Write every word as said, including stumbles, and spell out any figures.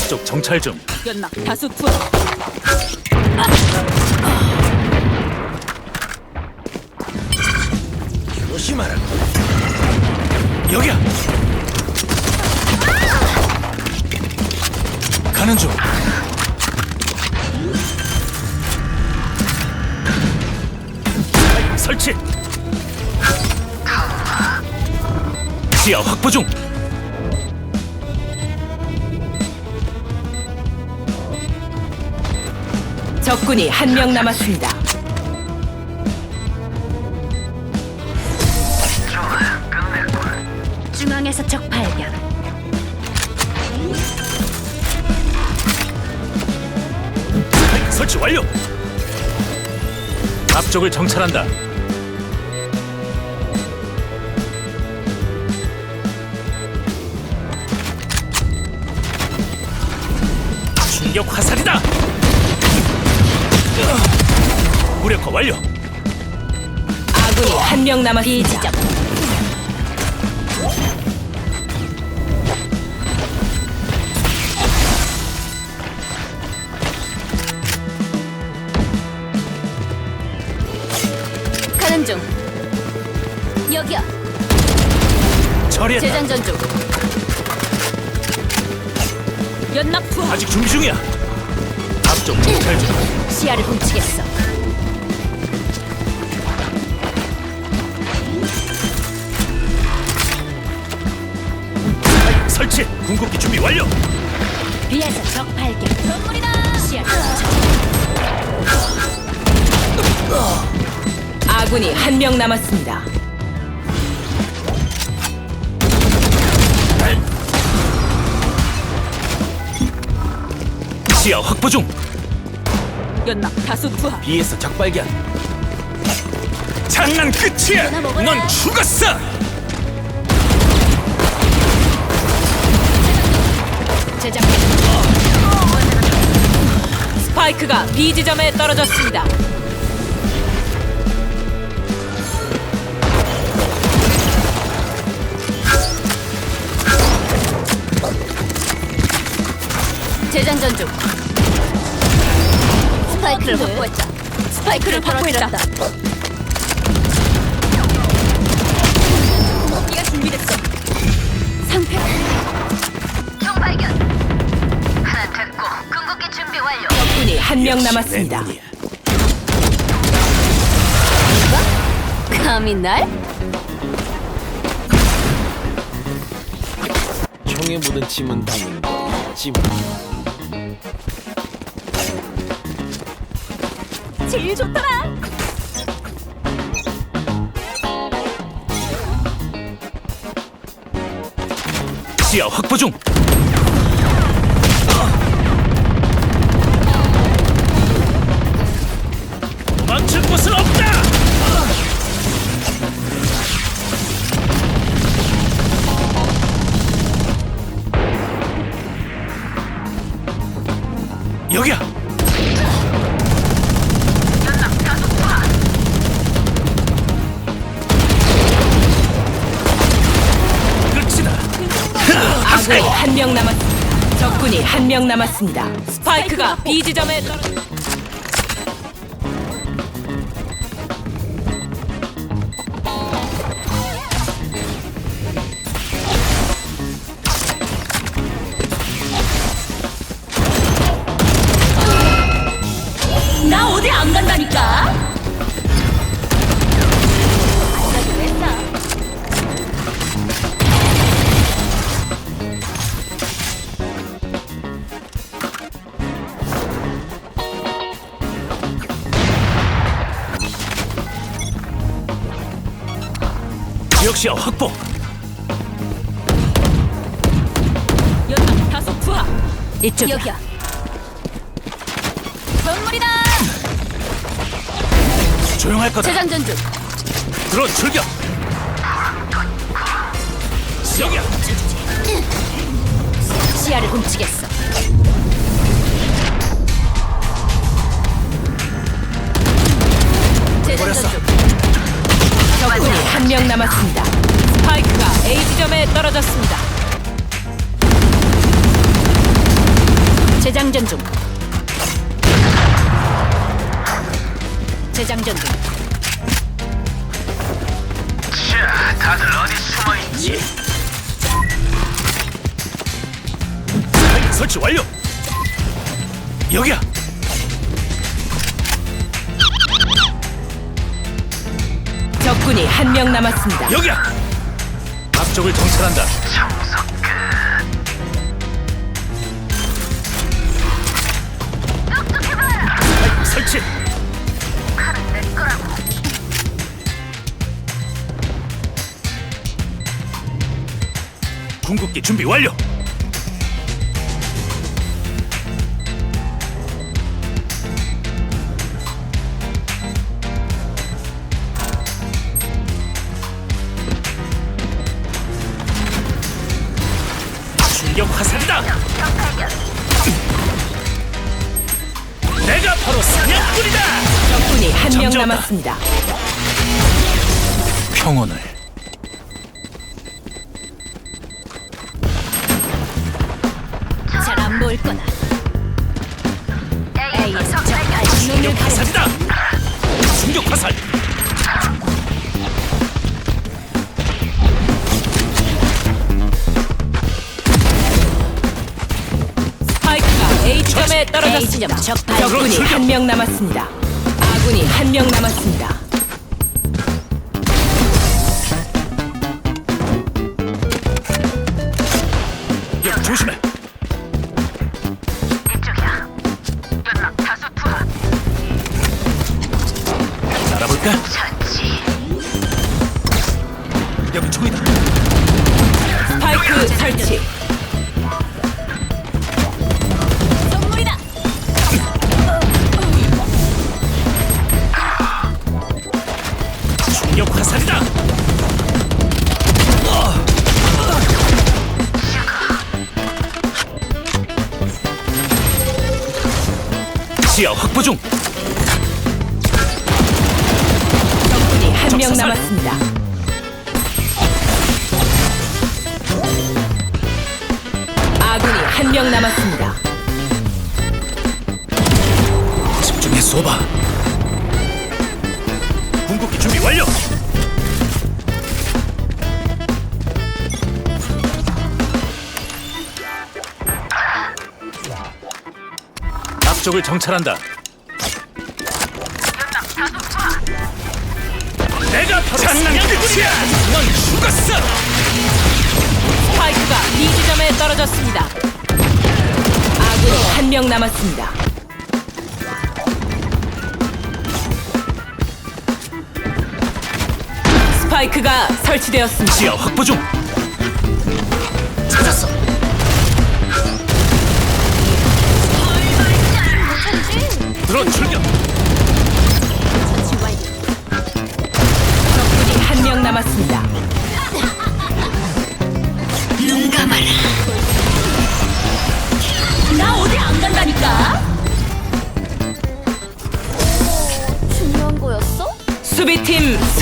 앞쪽 정찰 중. 연막 다수 투하. 조심하라. 여기야. 가는 중. 설치. 시야 확보 중. 적군이 한 명 남았습니다. 중앙에서 적 발견. 설치 완료. 앞쪽을 정찰한다. 충격 화살이다. 무력화 완료. 아군이 한 명 남았습니다. 가는 중. 여기야. 처리했다. 재장전 중. 연막 투하. 아직 준비 중이야. 앞쪽 정찰 중. 시야를 훔치겠어. 설치. 궁극기 준비 완료. 비에서 적 발견. 건물이다. 시야를 훔쳐. 아군이 한 명 남았습니다. 시야 확보 중. 연막 다수 투하. B에서 적 발견. 장난 끝이야. 넌 죽었어. 제작. 스파이크가 B 지점에 떨어졌습니다. 재장전 중. 스파이크를 확보했다. 스파이크를 확보했다. 공기가 준비됐어. 상패. 총 발견. 하나 됐고 궁극기 준비 완료. 적군이 한 명 남았습니다. 내 눈이야. 감히 날? 형에 묻은 침은 닦는 거 찜. 제일 좋더라. 시야 확보 중. 도망칠 곳은 없다. 여기야. 끝이다. 아군이 한 명 남았습니다. 적군이 한 명 남았습니다. 스파이크가 B 지점에 떨어졌. 나 어디 안 간다니까. 지역 시야 확보. 연막 다수 투하. 이쪽이야. 여기야. 건물이다. 조용할 거다. 재장전 중. 드론 출격. 여기야. 시야를 훔치겠어. 버렸어. 적군이 한 명 남았습니다. 스파이크가 A 지점에 떨어졌습니다. 재장전 중. 재장전 중. 자, 다들 어디 숨어 있지? 설치 완료. 여기야. 적군이 한 명 남았습니다. 여기야. 앞쪽을 정찰한다. 스파이크 설치. 칼은 내 거라고. 궁극기 준비 완료. 충격 화살이다. 적발견. 내가 바로 사냥꾼이다. 적군이 한 명 잠재웠다. 남았습니다. 평온을. 잘 안 보일 거다. A 적발견. 충격 화살이다. 충격 화살. 스파이크가 A 지점에 떨어졌습니다. 적군이 출격. 한 명 남았습니다. 아군이 한 명 남았습니다. 여기 조심해. 이쪽이야. 연막 다수 투하. 알아볼까? 전지. 여기 총이다. 스파이크 설치. 선물이다. 충격 화살이다. 지하 확보 중. 적군이 한 명 적사살. 남았습니다. 아군이 한 명 남았습니다. 집중해 쏘봐. 궁극기 준비 완료. 앞쪽을 정찰한다. 연막 다수 투하. 내가 바로 장난꾼이야. 넌 죽었어. 스파이크가 B 지점에 떨어졌습니다. 아군이 한 명 남았습니다. 스파이크가 설치되었습니다. 지하 확보 중. 찾았어. 드론 출격. 적군이 한 명 남았습니다. 눈 감아라. 나 어디 안 간다니까. 중요한 거였어? 수비팀